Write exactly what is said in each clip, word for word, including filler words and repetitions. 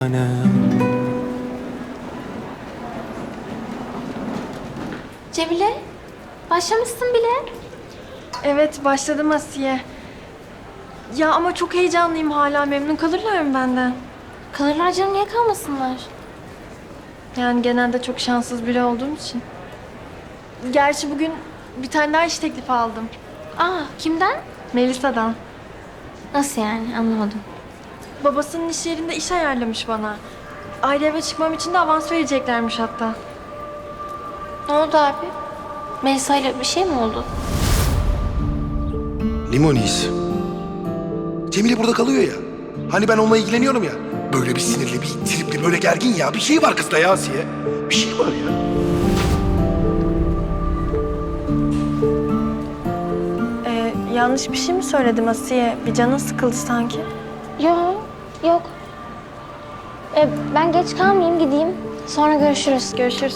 Cemile, başlamışsın bile. Evet, başladım Asiye. Ya ama çok heyecanlıyım hala. Memnun kalırlar mı benden? Kalırlar canım, niye kalmasınlar? Yani genelde çok şanssız biri olduğum için. Gerçi bugün bir tane daha iş teklifi aldım. Aa, kimden? Melisa'dan. Nasıl yani, anlamadım. Babasının iş yerinde iş ayarlamış bana. Ayrı eve çıkmam için de avans vereceklermiş hatta. Ne oldu abi? Melisa ile bir şey mi oldu? Limoniyiz. Cemile burada kalıyor ya. Hani ben onunla ilgileniyorum ya. Böyle bir sinirli, bir tripli, böyle gergin ya. Bir şey var kızda ya Asiye. Bir şey var ya. Ee, yanlış bir şey mi söyledim Asiye? Bir canın sıkıldı sanki. Yok, yok. Ee, ben geç kalmayayım, gideyim. Sonra görüşürüz. Görüşürüz.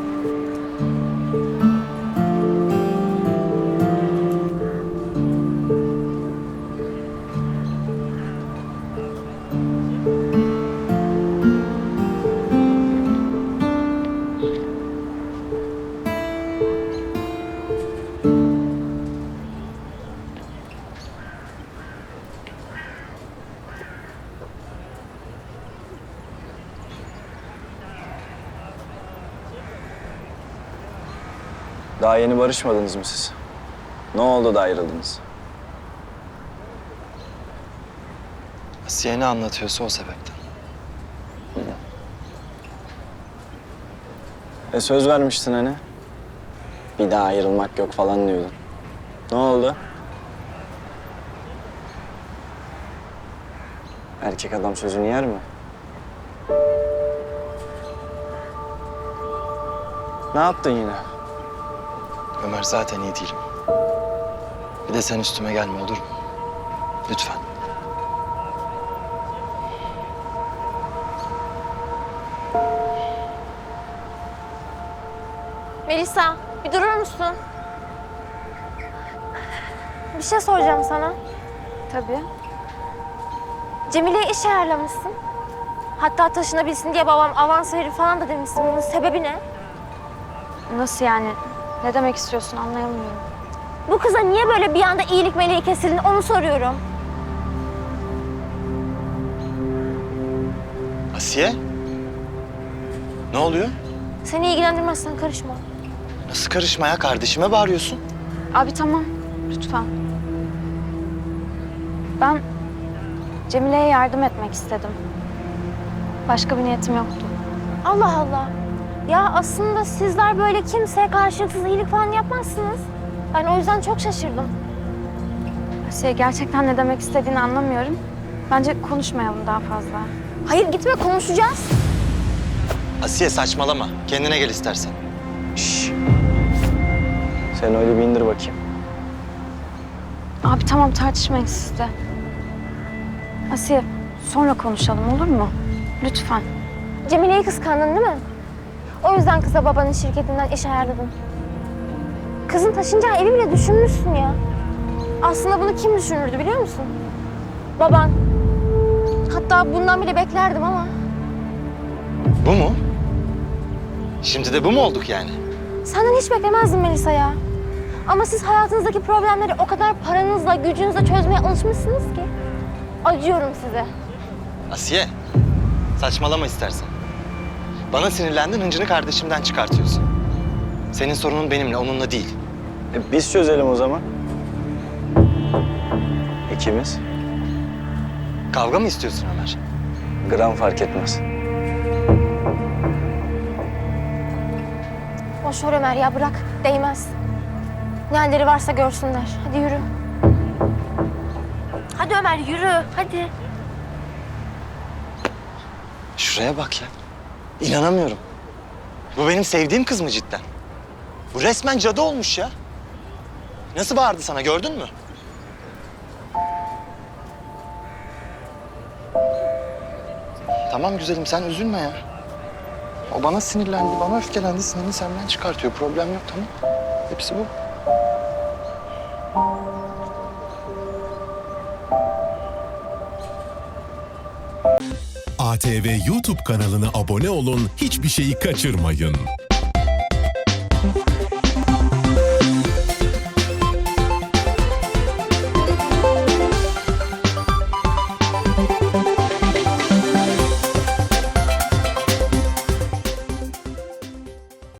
Daha yeni barışmadınız mı siz? Ne oldu da ayrıldınız? Asiye ne anlatıyorsa o sebepten. E söz vermiştin hani. Bir daha ayrılmak yok falan diyordun. Ne oldu? Erkek adam sözünü yer mi? Ne yaptın yine? Ömer zaten iyi değilim. Bir de sen üstüme gelme olur mu? Lütfen. Melisa, bir durur musun? Bir şey soracağım sana. Tabii. Cemile'ye iş ayarlamışsın. Hatta taşınabilsin diye babam avans verir falan da demişsin. Bunun sebebi ne? Nasıl yani? Ne demek istiyorsun anlayamıyorum. Bu kıza niye böyle bir anda iyilik meleği kesildin onu soruyorum. Asiye? Ne oluyor? Seni ilgilendirmezsen karışma. Nasıl karışma ya? Kardeşime bağırıyorsun. Abi tamam, lütfen. Ben Cemile'ye yardım etmek istedim. Başka bir niyetim yoktu. Allah Allah. Ya aslında sizler böyle kimseye karşılıksız iyilik falan yapmazsınız. Ben o yüzden çok şaşırdım. Asiye gerçekten ne demek istediğini anlamıyorum. Bence konuşmayalım daha fazla. Hayır gitme, konuşacağız. Asiye saçmalama. Kendine gel istersen. Şşş. Sen öyle bir indir bakayım. Abi tamam tartışmayın siz de. Asiye sonra konuşalım olur mu? Lütfen. Cemile'yi kıskandın değil mi? O yüzden kıza babanın şirketinden iş ayarladın. Kızın taşınacağı evi bile düşünmüşsün ya. Aslında bunu kim düşünürdü biliyor musun? Baban. Hatta bundan bile beklerdim ama. Bu mu? Şimdi de bu mu olduk yani? Senden hiç beklemezdim Melisa ya. Ama siz hayatınızdaki problemleri o kadar paranızla, gücünüzle çözmeye alışmışsınız ki. Acıyorum size. Asiye, saçmalama istersen. Bana sinirlendin, hıncını kardeşimden çıkartıyorsun. Senin sorunun benimle, onunla değil. E biz çözelim o zaman. İkimiz. Kavga mı istiyorsun Ömer? Gram fark etmez. Boş ver Ömer ya, bırak. Değmez. Ne halleri varsa görsünler. Hadi yürü. Hadi Ömer yürü, hadi. Şuraya bak ya. İnanamıyorum. Bu benim sevdiğim kız mı cidden? Bu resmen cadı olmuş ya. Nasıl bağırdı sana, gördün mü? Tamam güzelim, sen üzülme ya. O bana sinirlendi, bana öfkelendi, sinirini senden çıkartıyor. Problem yok, tamam. Hepsi bu. A T V YouTube kanalına abone olun, hiçbir şeyi kaçırmayın.